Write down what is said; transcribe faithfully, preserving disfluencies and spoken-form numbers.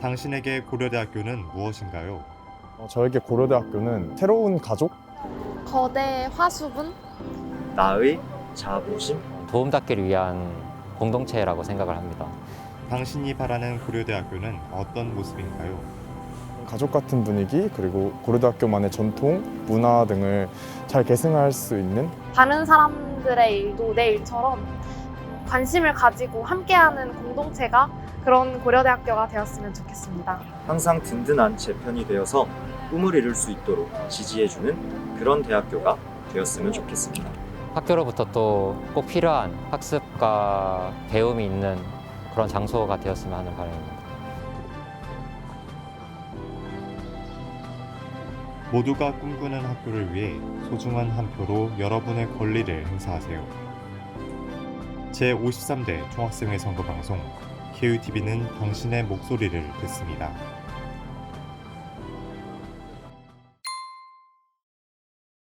당신에게 고려대학교는 무엇인가요? 어, 저에게 고려대학교는 새로운 가족? 거대 화수분? 나의 자부심? 도움닫기를 위한 공동체라고 생각을 합니다. 당신이 바라는 고려대학교는 어떤 모습인가요? 가족 같은 분위기, 그리고 고려대학교만의 전통, 문화 등을 잘 계승할 수 있는 다른 사람들의 일도 내 일처럼 관심을 가지고 함께하는 공동체가 그런 고려대학교가 되었으면 좋겠습니다. 항상 든든한 제 편이 되어서 꿈을 이룰 수 있도록 지지해주는 그런 대학교가 되었으면 좋겠습니다. 학교로부터 또 꼭 필요한 학습과 배움이 있는 그런 장소가 되었으면 하는 바람입니다. 모두가 꿈꾸는 학교를 위해 소중한 한 표로 여러분의 권리를 행사하세요. 제오십삼 대 총학생회 선거 방송 케이유티비는 당신의 목소리를 듣습니다.